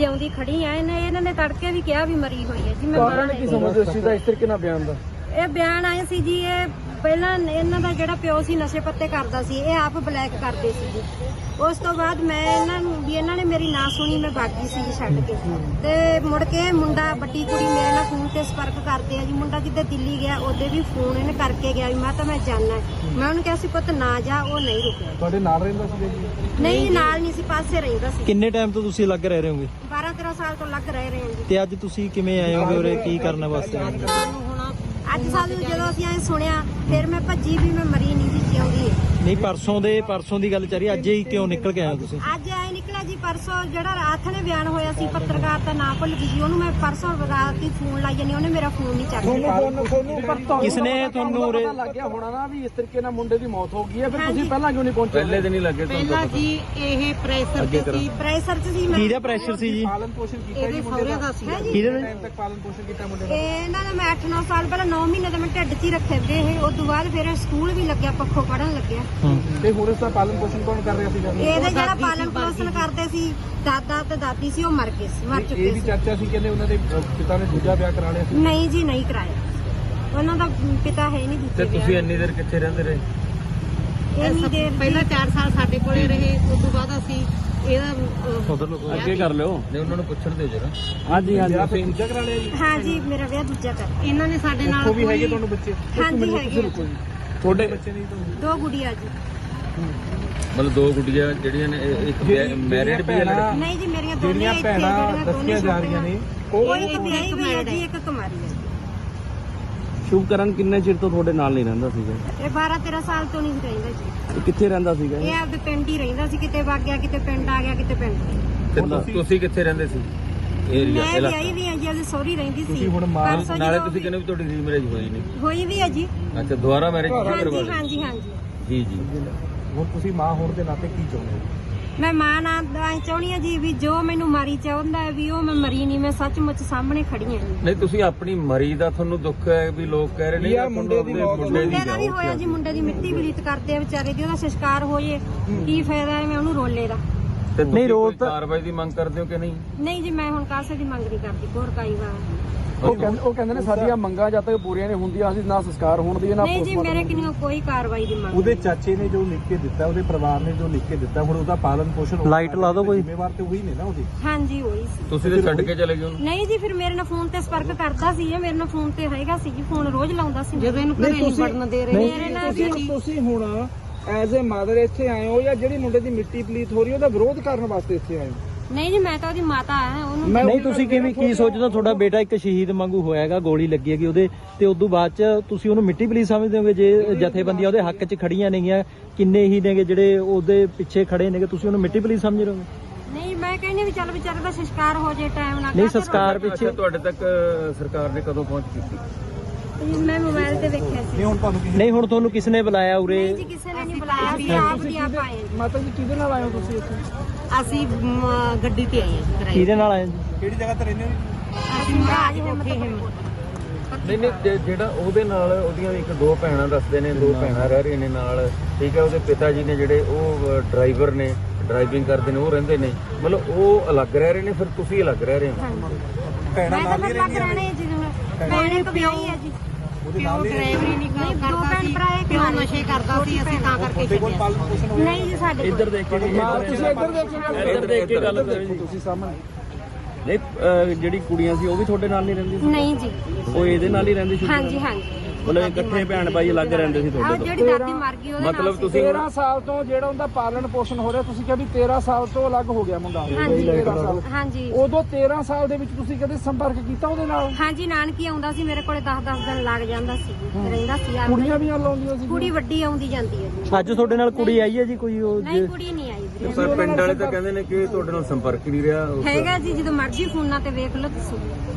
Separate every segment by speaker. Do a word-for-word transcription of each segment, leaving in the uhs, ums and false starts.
Speaker 1: ਜਿਉਂਦੀ ਖੜੀ ਆ। ਇਹਨੇ ਇਹਨਾਂ ਨੇ ਤੜਕੇ ਵੀ ਕਿਹਾ ਵੀ ਮਰੀ ਹੋਈ ਹੈ ਜੀ। ਮੈਂ
Speaker 2: ਕਾਰਨ ਕੀ ਸਮਝਦੇ ਇਸ ਚੀਜ਼ ਦਾ, ਇਸ ਤਰੀਕੇ ਨਾਲ ਬਿਆਨ ਦਾ?
Speaker 1: ਇਹ ਬਿਆਨ ਆਏ ਸੀ ਜੀ, ਇਹ ਪਹਿਲਾਂ ਇਹਨਾਂ ਦਾ ਜਿਹੜਾ ਪਿਓ ਸੀ ਨਸ਼ੇ ਪੱਤੇ ਕਰਦਾ ਸੀ, ਇਹ ਆਪ ਬਲੈਕ ਕਰਦੇ ਸੀ ਜੀ। ਉਸ ਤੋਂ ਬਾਅਦ ਮੈਂ ਇਹਨਾਂ ਨੂੰ ਵੀ ਇਹਨਾਂ ਨੇ ਮੇਰੀ ਨਾ ਸੁਣੀ, ਮੈਂ ਬਾਗੀ ਸੀ ਜੀ ਛੱਡ ਕੇ। ਤੇ ਮੁੜ ਕੇ ਮੁੰਡਾ ਵੱਡੀ ਕੁੜੀ ਮੇਰੇ ਨਾਲ ਫੋਨ ਤੇ ਸੰਪਰਕ ਕਰਦੇ ਆ ਜੀ। ਮੁੰਡਾ ਜਿੱਦੇ ਦਿੱਲੀ ਗਿਆ ਉਹਦੇ ਵੀ ਫੋਨ ਇਹਨੇ ਕਰਕੇ ਗਿਆ ਵੀ ਮੈਂ ਤਾਂ ਮੈਂ ਜਾਣਾ। ਮੈਂ ਉਹਨੂੰ ਕਿਹਾ ਸੀ ਪੁੱਤ ਨਾ ਜਾ, ਉਹ ਨਹੀਂ ਰੁਕਿਆ।
Speaker 2: ਤੁਹਾਡੇ ਨਾਲ ਰਹਿੰਦਾ ਸੀ ਜੀ?
Speaker 1: ਨਹੀਂ ਨਾਲ ਨਹੀਂ ਸੀ, ਪਾਸੇ ਰਹਿੰਦਾ ਸੀ।
Speaker 3: ਕਿੰਨੇ ਟਾਈਮ ਤੋਂ ਤੁਸੀਂ ਲੱਗ ਰਹੇ ਰਹੋਗੇ?
Speaker 1: ਬਾਰਾਂ ਤੇਰਾਂ ਸਾਲ ਤੋਂ ਲੱਗ ਰਹੇ ਰਹੇ ਹਾਂ ਜੀ।
Speaker 3: ਤੇ ਅੱਜ ਤੁਸੀਂ ਕਿਵੇਂ ਆਏ ਹੋਗੇ ਉਰੇ, ਕੀ ਕਰਨ ਵਾਸਤੇ ਆਏ ਹੋ?
Speaker 1: ਅੱਜ ਸਾਨੂੰ ਜਦੋਂ ਅਸੀਂ ਐ ਸੁਣਿਆ ਫਿਰ ਮੈਂ ਭੱਜੀ ਵੀ ਮੈਂ ਮਰੀ ਨਹੀਂ ਸੀ, ਜਿਉਂਦੀ ਹੈ।
Speaker 3: ਨਹੀਂ ਪਰਸੋਂ ਦੇ ਪਰਸੋਂ ਦੀ ਗੱਲ ਚੱਲ ਰਹੀ, ਅੱਜ ਹੀ ਕਿਉਂ ਨਿਕਲ ਕੇ ਆਏ ਹੋ ਤੁਸੀਂ?
Speaker 1: ਅੱਜ ਐ ਨਿਕਲਿਆ ਜੀ ਪਰਸੋਂ ਜਿਹੜਾ ਰਾਤ ਨੇ ਬਿਆਨ ਹੋਇਆ ਸੀ, ਪੱਤਰਕਾਰ ਦਾ ਨਾਂ ਭੁੱਲ ਗਈ ਜੀ। ਉਹਨੂੰ ਮੈਂ ਪਰਸੋਂ ਰਾਤ ਹੀ ਫੋਨ ਲਾਈ ਜਾਨੀ, ਉਹਨੇ ਮੇਰਾ ਫੋਨ ਨਹੀਂ ਚੱਕਿਆ।
Speaker 3: ਕਿਸਨੇ ਤੁਹਾਨੂੰ ਉਰੇ
Speaker 2: ਪਤਾ ਲੱਗ ਗਿਆ ਹੋਣਾ ਨਾ ਵੀ ਇਸ ਤਰੀਕੇ ਨਾਲ ਮੁੰਡੇ ਦੀ ਮੌਤ ਹੋ ਗਈ ਹੈ, ਫਿਰ ਤੁਸੀਂ ਪਹਿਲਾਂ ਕਿਉਂ ਨਹੀਂ ਪਹੁੰਚੇ? ਪਹਿਲੇ ਦਿਨ ਹੀ ਲੱਗੇ
Speaker 4: ਪਹਿਲਾਂ ਜੀ ਇਹ ਪ੍ਰੈਸ਼ਰ ਤੇ ਸੀ,
Speaker 1: ਪ੍ਰੈਸ਼ਰ ਚ ਸੀ ਮੈਂ।
Speaker 3: ਕਿਹਦਾ ਪ੍ਰੈਸ਼ਰ ਸੀ ਜੀ?
Speaker 2: ਪਾਲਣ ਪੋਸ਼ਣ ਕੀਤਾ
Speaker 4: ਇਹਦੇ ਸਹੁਰੇ ਦਾ ਸੀ।
Speaker 3: ਕਿਹਦੇ
Speaker 2: ਟਾਈਮ ਤੱਕ ਪਾਲਣ ਪੋਸ਼ਣ ਕੀਤਾ ਮੁੰਡੇ ਦਾ?
Speaker 1: ਇਹਨਾਂ ਨੇ ਮੈਂ ਅੱਠ ਨੌ ਸਾਲ ਪਹਿਲਾਂ ਨੌ ਮਹੀਨੇ ਦਾ ਮੈਂ ਢਿੱਡ 'ਚ ਹੀ ਰੱਖੇ ਵੇ ਇਹ। ਉਸ ਤੋਂ ਬਾਅਦ ਫਿਰ ਸਕੂਲ ਵੀ ਲੱਗਿਆ, ਪੱਖੋਂ ਪੜਨ ਲੱਗਿਆ।
Speaker 2: ਤੇ ਹੁਣ ਇਸ ਦਾ ਪਾਲਣ ਪੋਸ਼ਣ ਕੌਣ ਕਰ ਰਿਹਾ ਸੀਗਾ?
Speaker 1: ਇਹਦੇ ਜਿਹੜਾ ਪਾਲਣ ਪੋਸ਼ਣ ਕਰਦੇ ਸੀ ਦਾਦਾ ਤੇ ਦਾਦੀ ਸੀ, ਉਹ ਮਰ ਗਏ ਸੀ, ਮਰ ਚੁੱਕੇ
Speaker 2: ਇਹ ਵੀ
Speaker 1: ਸੀ।
Speaker 2: ਚਰਚਾ ਸੀ ਕਹਿੰਦੇ ਉਹਨਾਂ ਦੇ ਪਿਤਾ ਨੇ ਦੂਜਾ ਵਿਆਹ ਕਰਾ ਲਿਆ ਸੀ।
Speaker 1: ਨਹੀਂ ਜੀ ਨਹੀਂ ਕਰਾਇਆ, ਉਹਨਾਂ ਦਾ ਪਿਤਾ ਹੈ ਨਹੀਂ ਦੂਜੇ ਵਿਆਹ।
Speaker 2: ਤੁਸੀਂ ਇੰਨੀ ਦੇਰ ਕਿੱਥੇ ਰਹਿੰਦੇ ਰਹੇ?
Speaker 1: ਇੰਨੀ ਦੇਰ
Speaker 4: ਪਹਿਲਾਂ ਚਾਰ ਸਾਲ ਸਾਡੇ ਕੋਲੇ ਰਹੇ, ਉਸ ਤੋਂ ਬਾਅਦ ਅਸੀਂ ਇਹਦਾ
Speaker 2: ਅੱਗੇ ਕਰ ਲਿਓ। ਨਹੀਂ ਉਹਨਾਂ ਨੂੰ ਪੁੱਛਣ ਦਿਓ ਜਰਾ। ਹਾਂਜੀ ਹਾਂਜੀ ਤੁਸੀਂ ਦੂਜਾ ਕਰਾ ਲਿਆ ਜੀ?
Speaker 1: ਹਾਂ ਜੀ, ਮੇਰਾ ਵਿਆਹ ਦੂਜਾ ਕਰ।
Speaker 4: ਇਹਨਾਂ ਨੇ ਸਾਡੇ ਨਾਲ
Speaker 2: ਉਹ ਵੀ ਹੈਗੇ ਤੁਹਾਨੂੰ ਬੱਚੇ?
Speaker 1: ਹਾਂਜੀ ਹੈਗੇ
Speaker 2: ਤੁਹਾਡੇ ਬੱਚੇ ਨਹੀਂ ਤੁਹਾਨੂੰ?
Speaker 1: ਦੋ ਗੁੜੀਆਂ ਜੀ।
Speaker 5: ਮਤਲਬ ਦੋ ਗੁੱਡੀਆਂ ਜਿਹੜੀਆਂ ਨੇ, ਇੱਕ ਮੈਰਿਡ ਵੀ ਹੈ ਲੜਕੀ?
Speaker 1: ਨਹੀਂ ਜੀ ਮੇਰੀਆਂ ਦੋਨੇ
Speaker 2: ਜਿਹੜੀਆਂ
Speaker 1: ਇੱਥੇ
Speaker 2: ਭੈਣਾਂ
Speaker 1: ਜਿਹੜੀਆਂ ਦੋਨੇ
Speaker 2: ਦੱਸੀਆਂ ਜਾ ਰਹੀਆਂ ਨੇ
Speaker 1: ਉਹ ਇੱਕ ਵਿਆਹੀ ਹੋਈ ਹੈ ਜੀ, ਇੱਕ ਕੁਮਾਰੀ ਹੈ।
Speaker 6: ਸ਼ੁਭਕਰਨ ਕਿੰਨੇ ਚਿਰ ਤੋਂ ਤੁਹਾਡੇ ਨਾਲ ਨਹੀਂ ਰਹਿੰਦਾ ਸੀਗਾ?
Speaker 1: ਇਹ ਬਾਰਾਂ ਤੇਰਾਂ ਸਾਲ ਤੋਂ ਨਹੀਂ ਰਹਿੰਦਾ ਜੀ।
Speaker 6: ਇਹ ਕਿੱਥੇ ਰਹਿੰਦਾ ਸੀਗਾ?
Speaker 1: ਇਹ ਆਪਦੇ ਪਿੰਡ ਹੀ ਰਹਿੰਦਾ ਸੀ, ਕਿਤੇ ਵਗ ਗਿਆ, ਕਿਤੇ ਪਿੰਡ ਆ ਗਿਆ, ਕਿਤੇ ਪਿੰਡ।
Speaker 5: ਤੇ ਤੁਸੀਂ- ਤੁਸੀਂ ਕਿੱਥੇ ਰਹਿੰਦੇ ਸੀ? ਏਰੀਆ
Speaker 1: ਮੈਂ ਵਿਆਹੀ ਵੀ ਹਾਂ ਜੀ, ਉਹਦੀ ਸਹੁਰੀ ਰਹਿੰਦੀ ਸੀ।
Speaker 2: ਹੁਣ ਮਾਂ-
Speaker 1: ਪਰਸੋਂ
Speaker 5: ਨਾਲੇ
Speaker 1: ਜਦੋਂ
Speaker 5: ਤੁਸੀਂ ਕਹਿੰਦੇ ਵੀ ਤੁਹਾਡੀ ਰੀਮੈਰਿਜ ਹੋਈ ਨਹੀਂ?
Speaker 1: ਹੋਈ ਵੀ ਹੈ ਜੀ।
Speaker 5: ਅੱਛਾ, ਦੁਬਾਰਾ ਮੈਰਿਜ ਕਰਵਾ
Speaker 1: ਹਾਂਜੀ
Speaker 5: ਲਈ?
Speaker 1: ਹਾਂਜੀ ਹਾਂਜੀ।
Speaker 5: ਜੀ ਜੀ।
Speaker 2: ਹੁਣ ਤੁਸੀਂ ਮਾਂ ਹੋਣ ਦੇ ਨਾਤੇ ਕੀ ਚਾਹੁੰਦੇ ਹੋ?
Speaker 1: ਮੈਂ ਮਾਂ ਨਾਲ ਐ ਚਾਹੁੰਦੀ ਹਾਂ ਜੀ ਵੀ ਜੋ ਮੈਨੂੰ ਮਾਰੀ ਚਾਹੁੰਦਾ ਹੈ ਵੀ ਉਹ ਮੈਂ ਮਰੀ ਨਹੀਂ, ਮੈਂ ਸੱਚਮੁੱਚ ਸਾਹਮਣੇ ਖੜੀ ਹਾਂ ਜੀ।
Speaker 5: ਨਹੀਂ ਤੁਸੀਂ ਆਪਣੀ ਮਰੀ ਦਾ ਤੁਹਾਨੂੰ ਦੁੱਖ ਹੈ ਵੀ ਲੋਕ ਕਹਿ ਰਹੇ ਨੇ
Speaker 2: ਯਾਰ ਮੁੰਡੇ ਦੀ ਮੌਤ-
Speaker 5: ਮੁੰਡੇ
Speaker 1: ਮੁੰਡੇ ਦਾ ਵੀ
Speaker 5: ਜਾਓ।
Speaker 1: ਹੋਇਆ ਜੀ, ਮੁੰਡੇ ਦੀ ਮਿੱਟੀ ਬਲੀਤ ਕਰਦੇ ਆ ਵਿਚਾਰੇ ਦੀ, ਉਹਦਾ ਸੰਸਕਾਰ ਹੋ ਜੇ ਕੀ ਫਾਇਦਾ ਹੈ ਮੈਂ ਉਹਨੂੰ ਰੋਲੇ ਦਾ।
Speaker 5: ਤੇ
Speaker 3: ਨਹੀਂ,
Speaker 5: ਨਹੀਂ
Speaker 3: ਰੋਲ
Speaker 5: ਰੋਜ਼
Speaker 3: ਤਾਂ-
Speaker 5: ਕਾਰਵਾਈ ਦੀ ਮੰਗ ਕਰਦੇ ਹੋ ਕਿ ਨਹੀਂ?
Speaker 1: ਨਹੀਂ ਜੀ, ਮੈਂ ਹੁਣ ਕਾਸੇ ਦੀ ਮੰਗ ਨਹੀਂ ਕਰਦੀ, ਹੋਰ ਕਾਈ ਵਾਰ।
Speaker 2: ਉਹ ਕਹਿੰਦੇ ਉਹ ਕਹਿੰਦੇ ਨੇ ਸਾਡੀਆਂ ਮੰਗਾਂ ਜਦ ਤੱਕ ਪੂਰੀਆਂ ਨਹੀਂ ਹੁੰਦੀਆਂ ਅਸੀਂ ਨਾ ਸੰਸਕਾਰ ਹੋਣ ਦੀ ਨਾ
Speaker 1: ਨਹੀਂ ਜੀ, ਮੇਰੇ ਕਿੰਨੀ ਕੋਈ ਕਾਰਵਾਈ ਦੀ ਮੰਗ
Speaker 2: ਉਹਦੇ ਚਾਚੇ ਨੇ ਜੋ ਲਿਖ ਕੇ ਦਿੱਤਾ, ਉਹਦੇ ਪਰਿਵਾਰ ਨੇ ਜੋ ਲਿਖ ਕੇ ਦਿੱਤਾ, ਹੁਣ ਉਹਦਾ ਪਾਲਣ ਪੋਸ਼ਣ
Speaker 3: ਲਾਈਟ ਲਾ ਦਿਓ ਕੋਈ।
Speaker 2: ਜ਼ਿੰਮੇਵਾਰ ਤੇ ਉਹੀ ਨੇ ਨਾ ਉਹਦੀ।
Speaker 1: ਹਾਂਜੀ ਹੋਈ ਸੀ।
Speaker 5: ਤੁਸੀਂ ਤੇ ਛੱਡ ਕੇ ਚਲੇ ਗਏ ਉਹਨੂੰ?
Speaker 1: ਨਹੀਂ ਜੀ, ਫਿਰ ਮੇਰੇ ਨਾਲ ਫੋਨ ਤੇ ਸੰਪਰਕ ਕਰਦਾ ਸੀ, ਇਹ ਮੇਰੇ ਨਾਲ ਫੋਨ ਤੇ ਹੈਗਾ ਸੀ ਜੀ, ਫੋਨ ਰੋਜ਼ ਲਾਉਂਦਾ ਸੀ।
Speaker 4: ਜਦੋਂ ਇਹਨੂੰ ਘਰੇ ਨਹੀਂ ਵੜਨ ਦੇ ਰਹੇ
Speaker 1: ਮੇਰੇ ਨਾਲ ਵੀ
Speaker 2: ਤੁਸੀਂ ਤੁਸੀਂ ਹੁਣ ਐਜ਼ ਅ ਮਦਰ ਇੱਥੇ ਆਏ ਹੋ ਜਾਂ ਜਿਹੜੀ ਮੁੰਡੇ ਦੀ ਮਿੱਟੀ ਪਲੀਤ ਹੋ ਰਹੀ ਉਹਦਾ ਵਿਰੋਧ ਕਰਨ ਵਾਸਤੇ ਇੱਥੇ ਆਏ ਹੋ?
Speaker 1: ਨਹੀਂ ਜੀ, ਮੈਂ ਤਾਂ ਉਹਦੀ ਮਾਤਾ ਆ, ਉਹਨੂੰ
Speaker 3: ਨਹੀਂ ਤੁਸੀਂ ਕਿਵੇਂ ਕੀ ਸੋਚਦੇ ਹੋ? ਤੁਹਾਡਾ ਬੇਟਾ ਇੱਕ ਸ਼ਹੀਦ ਵਾਂਗੂ ਹੋਇਆਗਾ, ਗੋਲੀ ਲੱਗੀ ਹੈਗੀ ਉਹਦੇ ਤੇ, ਉਦੋਂ ਬਾਅਦ ਚ ਤੁਸੀਂ ਉਹਨੂੰ ਮਿੱਟੀ ਪਲੀਤ ਸਮਝਦੇ ਹੋਗੇ? ਜੇ ਜਥੇਬੰਦੀਆਂ ਉਹਦੇ ਹੱਕ ਚ ਖੜੀਆਂ ਨੇਗੀਆਂ, ਕਿੰਨੇ ਹੀ ਨੇਗੇ ਜਿਹੜੇ ਉਹਦੇ ਪਿੱਛੇ ਖੜੇ ਨੇਗੇ, ਤੁਸੀਂ ਉਹਨੂੰ ਮਿੱਟੀ ਪਲੀਤ ਸਮਝ ਰਹੇ ਹੋ?
Speaker 1: ਨਹੀਂ, ਮੈਂ ਕਹਿੰਦੀ ਵੀ ਚੱਲ ਵਿਚਾਰੇ ਦਾ ਸੰਸਕਾਰ ਹੋ ਜੇ ਟਾਈਮ ਨਾਲ।
Speaker 3: ਨਹੀਂ ਸੰਸਕਾਰ
Speaker 5: ਅੱਛਾ,
Speaker 3: ਪਿੱਛੇ
Speaker 5: ਤੁਹਾਡੇ ਤੱਕ ਸਰਕਾਰ ਨੇ ਕਦੋਂ ਪਹੁੰਚ ਕੀਤੀ?
Speaker 1: ਮੈਂ ਮੋਬਾਈਲ ਤੇ ਵੇਖਿਆ ਸੀ।
Speaker 2: ਨਹੀਂ ਹੁਣ ਤੁਹਾਨੂੰ ਕਿਸੇ
Speaker 3: ਨਹੀਂ ਹੁਣ ਤੁਹਾਨੂੰ ਕਿਸ ਨੇ ਬੁਲਾਇਆ ਉਰੇ?
Speaker 1: ਨਹੀਂ ਜੀ, ਕਿਸੇ ਨੇ ਨਹੀਂ ਬੁਲਾਇਆ, ਅਸੀਂ ਆਪ ਦੀ ਆਪ ਆਏ ਹਾਂ।
Speaker 2: ਮਾਤਾ ਜੀ ਕਿਹਦੇ ਨਾਲ ਆਏ ਹੋ ਤੁਸੀਂ ਇੱਥੇ?
Speaker 4: ਅਸੀਂ ਮ, ਗੱਡੀ ਤੇ ਆਏ ਹਾਂ ਜੀ ਕਿਰਾਏ
Speaker 3: ਕਿਹਦੇ ਨਾਲ ਆਏ ਜੀ?
Speaker 2: ਕਿਹੜੀ ਜਗ੍ਹਾ ਤੇ ਰਹਿੰਦੇ ਹੋ?
Speaker 1: ਅਸੀਂ ਮਹਾਰਾਜ ਹਿੰਮਤ
Speaker 5: ਨਹੀਂ ਨਹੀਂ, ਜੇ- ਜਿਹੜਾ ਉਹਦੇ ਨਾਲ ਉਹਦੀਆਂ ਇੱਕ ਦੋ ਭੈਣਾਂ ਦੱਸਦੇ ਨੇ, ਦੋ ਭੈਣਾਂ ਰਹਿ ਰਹੀਆਂ ਨੇ ਨਾਲ, ਠੀਕ ਹੈ। ਉਹਦੇ ਪਿਤਾ ਜੀ ਨੇ ਜਿਹੜੇ ਉਹ ਡਰਾਈਵਰ ਨੇ, ਡਰਾਈਵਿੰਗ ਕਰਦੇ ਨੇ, ਉਹ ਰਹਿੰਦੇ ਨੇ, ਮਤਲਬ ਉਹ ਅਲੱਗ ਰਹਿ ਰਹੇ ਨੇ, ਫਿਰ ਤੁਸੀਂ ਅਲੱਗ ਰਹਿ ਰਹੇ ਹੋ?
Speaker 2: ਭੈਣਾਂ
Speaker 1: ਮੈਂ ਤਾਂ
Speaker 2: ਨਾਲ ਹੀ
Speaker 1: ਫਿਰ ਲੱਗ
Speaker 2: ਰਹਿੰਦੀਆਂ
Speaker 1: ਰਹਿਣੇ
Speaker 2: ਨੇ?
Speaker 1: ਜੀ, ਭੈਣ ਇੱਕ ਵਿਆਹੀ ਹੈ ਜੀ।
Speaker 2: ਉਹਦੇ
Speaker 4: ਪਿਓ
Speaker 2: ਨਾਲ ਹੀ
Speaker 4: ਡਰਾਈਵਰੀ ਨਹੀਂ
Speaker 1: ਨਹੀਂ, ਦੋ
Speaker 4: ਕਰਦਾ
Speaker 1: ਭੈਣ
Speaker 4: ਸੀ,
Speaker 1: ਭਰਾ ਇੱਕ
Speaker 4: ਪਿਓ
Speaker 1: ਨਾਲ।
Speaker 4: ਨਸ਼ੇ ਕਰਦਾ ਸੀ, ਅਸੀਂ ਤਾਂ ਕਰਕੇ
Speaker 2: ਤੁਹਾਡੇ ਕੋਲ
Speaker 4: ਛੱਡਿਆ।
Speaker 2: ਪਾਲਣ ਪੋਸ਼ਣ ਹੋਇਆ?
Speaker 1: ਨਹੀਂ ਜੀ, ਸਾਡੇ
Speaker 3: ਇੱਧਰ ਦੇਖ ਕੇ
Speaker 2: ਤੁਸੀਂ ਇੱਧਰ ਦੇਖੋ,
Speaker 3: ਇੱਧਰ ਦੇਖ ਕੇ ਗੱਲ ਕਰੋ ਜੀ।
Speaker 2: ਤੁਸੀਂ ਸਾਹਮਣੇ।
Speaker 6: ਨਹੀਂ ਅਹ ਜਿਹੜੀ ਕੁੜੀਆਂ ਸੀ ਉਹ ਵੀ ਤੁਹਾਡੇ ਨਾਲ ਨਹੀਂ ਰਹਿੰਦੀ ਸੀ?
Speaker 1: ਨਹੀਂ ਜੀ।
Speaker 6: ਉਹ ਇਹਦੇ ਨਾਲ ਹੀ ਰਹਿੰਦੀ ਸੀ?
Speaker 1: ਹਾਂਜੀ ਹਾਂਜੀ।
Speaker 6: ਮਤਲਬ ਇਕੱਠੇ ਭੈਣ ਭਾਈ ਅਲੱਗ ਰਹਿੰਦੇ ਸੀ
Speaker 1: ਆਹ
Speaker 6: ਤੁਹਾਡੇ ਤੋਂ?
Speaker 1: ਜਿਹੜੀ ਦਾਦੀ ਮਰ ਗਈ ਉਹਦੇ ਨਾਲ
Speaker 5: ਮਤਲਬ
Speaker 1: ਸੀ।
Speaker 5: ਤੁਸੀਂ
Speaker 2: ਤੇਰਾਂ ਸਾਲ ਤੋਂ ਜਿਹੜਾ ਉਹਦਾ ਪਾਲਣ ਪੋਸ਼ਣ ਹੋ ਰਿਹਾ, ਤੁਸੀਂ ਕਿਹਾ ਵੀ ਤੇਰਾਂ ਸਾਲ ਤੋਂ ਅਲੱਗ ਹੋ ਗਿਆ ਮੁੰਡਾ।
Speaker 1: ਹਾਂਜੀ
Speaker 2: ਤੇਰਾਂ ਸਾਲ।
Speaker 1: ਹਾਂਜੀ
Speaker 2: ਉਦੋਂ ਤੇਰਾਂ ਸਾਲ ਦੇ ਵਿੱਚ ਤੁਸੀਂ ਕਦੇ ਸੰਪਰਕ ਕੀਤਾ ਉਹਦੇ ਨਾਲ?
Speaker 1: ਹਾਂਜੀ, ਨਾਨਕੀ ਆਉਂਦਾ ਸੀ ਮੇਰੇ ਕੋਲੇ, ਦਸ ਦਸ ਦਿਨ ਲੱਗ ਜਾਂਦਾ ਸੀ, ਰਹਿੰਦਾ ਸੀ ਆ।
Speaker 2: ਕੁੜੀਆਂ ਵੀ ਨਾਲ ਆਉਂਦੀਆਂ ਸੀ?
Speaker 1: ਕੁੜੀ ਵੱਡੀ ਆਉਂਦੀ ਜਾਂਦੀ ਹੈ ਜੀ।
Speaker 3: ਅੱਜ ਤੁਹਾਡੇ ਨਾਲ ਕੁੜੀ ਆਈ ਹੈ ਜੀ ਕੋਈ? ਉਹ
Speaker 1: ਨਹੀਂ, ਕੁੜੀ ਨਹੀਂ ਆਈ ਵੀਰੇ।
Speaker 5: ਪਰ ਪਿੰਡ ਵਾਲੇ ਤਾਂ ਕਹਿੰਦੇ ਨੇ ਕਿ ਤੁਹਾਡੇ ਨਾਲ ਸੰਪਰਕ ਹੀ ਨਹੀਂ ਰਿਹਾ।
Speaker 1: ਹੈਗਾ ਜੀ, ਜਦੋਂ ਮਰਜ਼ੀ ਫੋਨਾਂ ਤੇ ਵੇਖ ਲਓ ਤੁਸੀਂ।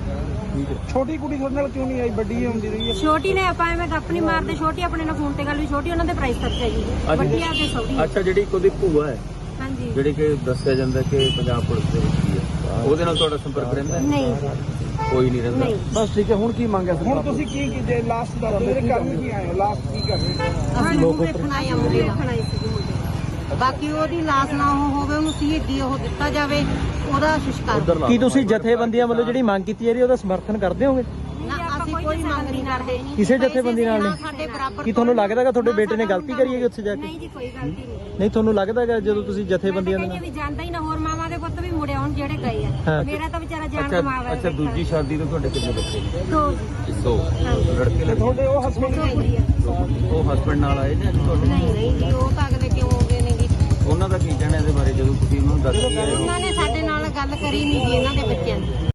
Speaker 2: ਛੋਟੀ ਕੁੜੀ ਤੁਹਾਡੇ ਨਾਲ ਕਿਉਂ ਨਹੀਂ ਆਈ? ਵੱਡੀ ਆਉਂਦੀ ਰਹੀ ਹੈ।
Speaker 1: ਛੋਟੀ ਨੇ ਆਪਾਂ ਐਵੇਂ ਗੱਪ ਨਹੀਂ ਮਾਰਦੇ, ਛੋਟੀ ਆਪਣੇ ਨਾਲ ਫੋਨ ਤੇ ਗੱਲ ਵੀ, ਛੋਟੀ ਉਹਨਾਂ ਦੇ ਪ੍ਰਾਈਸ ਖਰਚਾ ਜੀ, ਵੱਡੀ ਆ ਕੇ ਸੌਦੀ।
Speaker 5: ਅੱਛਾ, ਜਿਹੜੀ ਇੱਕ ਉਹਦੀ ਭੂਆ ਹੈ,
Speaker 1: ਹਾਂਜੀ।
Speaker 5: ਜਿਹੜੀ ਕਿ ਦੱਸਿਆ ਜਾਂਦਾ ਕਿ ਪੰਜਾਬ ਪੁਲਿਸ ਦੇ ਵਿੱਚ ਹੀ ਹੈ, ਉਹਦੇ ਨਾਲ ਤੁਹਾਡਾ ਸੰਪਰਕ ਰਹਿੰਦਾ ਹੈ?
Speaker 1: ਨਹੀਂ
Speaker 5: ਕੋਈ ਨਹੀਂ ਰਹਿੰਦਾ?
Speaker 1: ਨਹੀਂ।
Speaker 2: ਬਸ ਠੀਕ ਹੈ। ਹੁਣ ਕੀ ਮੰਗਿਆ ਹੁਣ ਤੁਸੀਂ ਕੀ ਕੀਤੇ? ਲਾਸਟ ਦਾ ਮੇਰੇ ਕਰਨ ਕੀ ਆਏ ਹੋ? ਲਾਸਟ ਕੀ ਕਰ ਰਹੇ ਹੋ?
Speaker 4: ਅਸੀਂ ਉਹ ਵੇਖਣ ਆਏ ਹਾਂ ਮੁੰਡੇ ਦਾ।
Speaker 1: ਦੇਖਣ ਆਈ ਸੀ ਮੁੰਡੇ।
Speaker 4: ਬਾਕੀ ਉਹਦੀ ਲਾਸ਼ ਨਾ ਉਹ ਹੋਵੇ, ਉਹਨੂੰ ਸ਼ਹੀਦੀ ਉਹ ਦਿੱਤਾ ਜਾਵੇ, ਉਹਦਾ ਸੰਸਕਾਰ
Speaker 3: ਕੀ ਤੁਸੀਂ ਜਥੇਬੰਦੀਆਂ ਵੱਲੋਂ ਜਿਹੜੀ ਮੰਗ ਕੀਤੀ ਜਾ ਰਹੀ ਹੈ ਉਹਦਾ ਸਮਰਥਨ ਕਰਦੇ ਹੋਗੇ?
Speaker 4: ਨਾ ਅਸੀਂ ਕੋਈ ਮੰਗ ਨਹੀਂ ਕਰਦੇ
Speaker 3: ਕਿਸੇ ਜਥੇਬੰਦੀ ਨਾਲ ਨਹੀਂ?
Speaker 4: ਸਾਡੇ ਬਰਾਬਰ
Speaker 3: ਕੀ ਤੁਹਾਨੂੰ ਲੱਗਦਾ ਹੈਗਾ ਤੁਹਾਡੇ ਬੇਟੇ ਨੇ ਗਲਤੀ ਕਰੀ ਹੈਗੀ ਉੱਥੇ ਜਾ ਕੇ?
Speaker 1: ਨਹੀਂ ਜੀ ਕੋਈ ਗਲਤੀ ਨਹੀਂ।
Speaker 3: ਨਹੀਂ ਤੁਹਾਨੂੰ ਲੱਗਦਾ ਹੈਗਾ ਜਦੋਂ ਤੁਸੀਂ ਜਥੇਬੰਦੀਆਂ ਦੇ
Speaker 1: ਕਹਿੰਦੇ
Speaker 3: ਨਾਲ
Speaker 1: ਵੀ ਜਾਂਦਾ ਹੀ ਨਾ, ਹੋਰ ਮਾਵਾਂ ਦੇ ਪੁੱਤ ਵੀ ਮੁੜੇ ਆਉਣ ਜਿਹੜੇ ਗਏ ਆ।
Speaker 3: ਹਾਂ।
Speaker 1: ਮੇਰਾ ਤਾਂ ਵਿਚਾਰਾ ਜਾਨ
Speaker 5: ਅੱਛਾ
Speaker 1: ਕਮਾਵਾ
Speaker 5: ਅੱਛਾ ਦੂਜੀ ਸ਼ਾਦੀ ਤੋਂ ਤੁਹਾਡੇ ਕਿੰਨੇ ਬੱਚੇ ਨੇ?
Speaker 1: ਦੋ
Speaker 5: ਦੋ ਲੜਕੇ ਲੜਕੇ
Speaker 2: ਤੁਹਾਡੇ ਉਹ ਹਸਬੰਡ
Speaker 1: ਦੋ ਕੁੜੀਆਂ।
Speaker 5: ਉਹ ਹਸਬੰਡ ਨਾਲ ਆਏ ਨੇ ਤੁਹਾਡੇ?
Speaker 4: ਨਹੀਂ ਨਹੀਂ ਜੀ ਉਹ ਤਾਂ ਅਗਲੇ ਕਿਉਂ ਆਉਂਦੇ ਨੇ ਜੀ
Speaker 5: ਉਹਨਾਂ ਦਾ ਕੀ ਕਹਿਣਾ ਇਹਦੇ ਬਾਰੇ ਜਦੋਂ ਤੁਸੀਂ ਉਹਨਾਂ ਨੂੰ ਦੱਸ ਕੇ ਆਏ ਹੋ?
Speaker 4: ਉਹਨਾਂ ਨੇ ਸਾਡੇ ਨਾਲ ਗੱਲ ਕਰੀ ਨਹੀਂ ਜੀ ਇਹਨਾਂ ਦੇ ਬੱਚਿਆਂ ਦੀ